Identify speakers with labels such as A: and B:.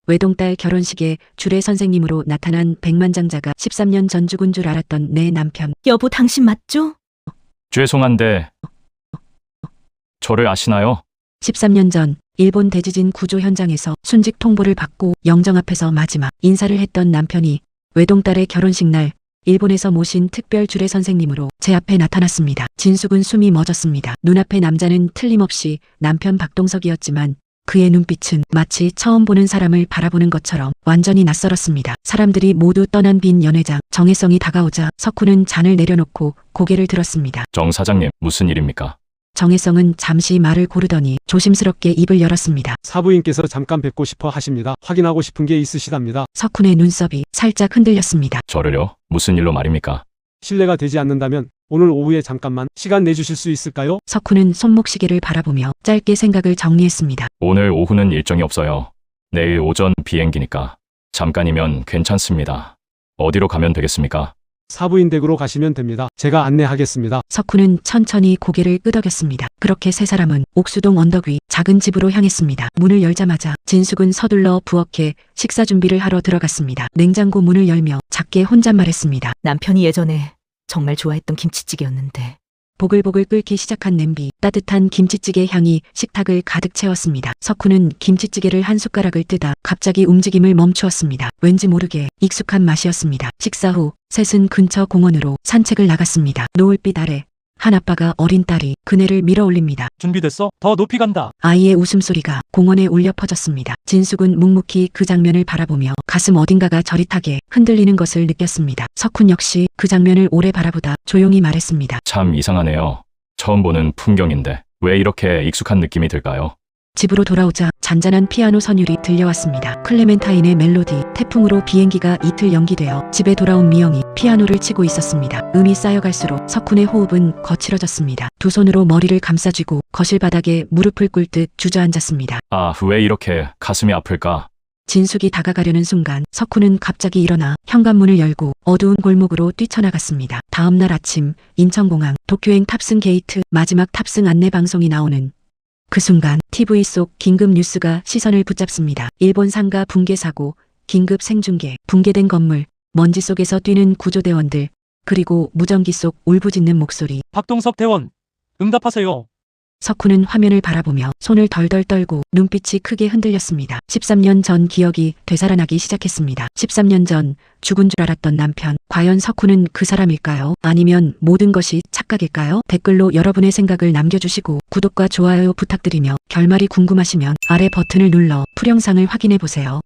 A: 외동딸 결혼식에 주례 선생님으로 나타난 백만장자가 13년 전 죽은 줄 알았던 내 남편.
B: 여보, 당신 맞죠?
C: 죄송한데 저를 아시나요?
A: 13년 전 일본 대지진 구조 현장에서 순직 통보를 받고 영정 앞에서 마지막 인사를 했던 남편이 외동딸의 결혼식 날 일본에서 모신 특별 주례 선생님으로 제 앞에 나타났습니다. 진숙은 숨이 멎었습니다. 눈앞의 남자는 틀림없이 남편 박동석이었지만 그의 눈빛은 마치 처음 보는 사람을 바라보는 것처럼 완전히 낯설었습니다. 사람들이 모두 떠난 빈 연회장, 정혜성이 다가오자 석훈은 잔을 내려놓고 고개를 들었습니다.
C: 정 사장님, 무슨 일입니까?
A: 정혜성은 잠시 말을 고르더니 조심스럽게 입을 열었습니다.
D: 사부인께서 잠깐 뵙고 싶어 하십니다. 확인하고 싶은 게 있으시답니다.
A: 석훈의 눈썹이 살짝 흔들렸습니다.
C: 저를요? 무슨 일로 말입니까?
D: 실례가 되지 않는다면 오늘 오후에 잠깐만 시간 내주실 수 있을까요?
A: 석훈은 손목시계를 바라보며 짧게 생각을 정리했습니다.
C: 오늘 오후는 일정이 없어요. 내일 오전 비행기니까 잠깐이면 괜찮습니다. 어디로 가면 되겠습니까?
D: 사부인 댁으로 가시면 됩니다. 제가 안내하겠습니다.
A: 석훈은 천천히 고개를 끄덕였습니다. 그렇게 세 사람은 옥수동 언덕 위 작은 집으로 향했습니다. 문을 열자마자 진숙은 서둘러 부엌에 식사 준비를 하러 들어갔습니다. 냉장고 문을 열며 작게 혼잣말했습니다.
B: 남편이 예전에 정말 좋아했던 김치찌개였는데.
A: 보글보글 끓기 시작한 냄비, 따뜻한 김치찌개 향이 식탁을 가득 채웠습니다. 석훈은 김치찌개를 한 숟가락을 뜨다 갑자기 움직임을 멈추었습니다. 왠지 모르게 익숙한 맛이었습니다. 식사 후 셋은 근처 공원으로 산책을 나갔습니다. 노을빛 아래 한 아빠가 어린 딸이 그네를 밀어 올립니다.
E: 준비됐어? 더 높이 간다.
A: 아이의 웃음소리가 공원에 울려 퍼졌습니다. 진숙은 묵묵히 그 장면을 바라보며 가슴 어딘가가 저릿하게 흔들리는 것을 느꼈습니다. 석훈 역시 그 장면을 오래 바라보다 조용히 말했습니다.
C: 참 이상하네요. 처음 보는 풍경인데 왜 이렇게 익숙한 느낌이 들까요?
A: 집으로 돌아오자 잔잔한 피아노 선율이 들려왔습니다. 클레멘타인의 멜로디, 태풍으로 비행기가 이틀 연기되어 집에 돌아온 미영이 피아노를 치고 있었습니다. 음이 쌓여갈수록 석훈의 호흡은 거칠어졌습니다. 두 손으로 머리를 감싸쥐고 거실 바닥에 무릎을 꿇듯 주저앉았습니다.
C: 아, 왜 이렇게 가슴이 아플까?
A: 진숙이 다가가려는 순간 석훈은 갑자기 일어나 현관문을 열고 어두운 골목으로 뛰쳐나갔습니다. 다음 날 아침 인천공항 도쿄행 탑승 게이트 마지막 탑승 안내 방송이 나오는 그 순간 TV 속 긴급 뉴스가 시선을 붙잡습니다. 일본 상가 붕괴 사고, 긴급 생중계, 붕괴된 건물, 먼지 속에서 뛰는 구조대원들, 그리고 무전기 속 울부짖는 목소리.
E: 박동석 대원, 응답하세요.
A: 석훈은 화면을 바라보며 손을 덜덜 떨고 눈빛이 크게 흔들렸습니다. 13년 전 기억이 되살아나기 시작했습니다. 13년 전 죽은 줄 알았던 남편. 과연 석훈은 그 사람일까요? 아니면 모든 것이 착각일까요? 댓글로 여러분의 생각을 남겨주시고 구독과 좋아요 부탁드리며 결말이 궁금하시면 아래 버튼을 눌러 풀영상을 확인해보세요.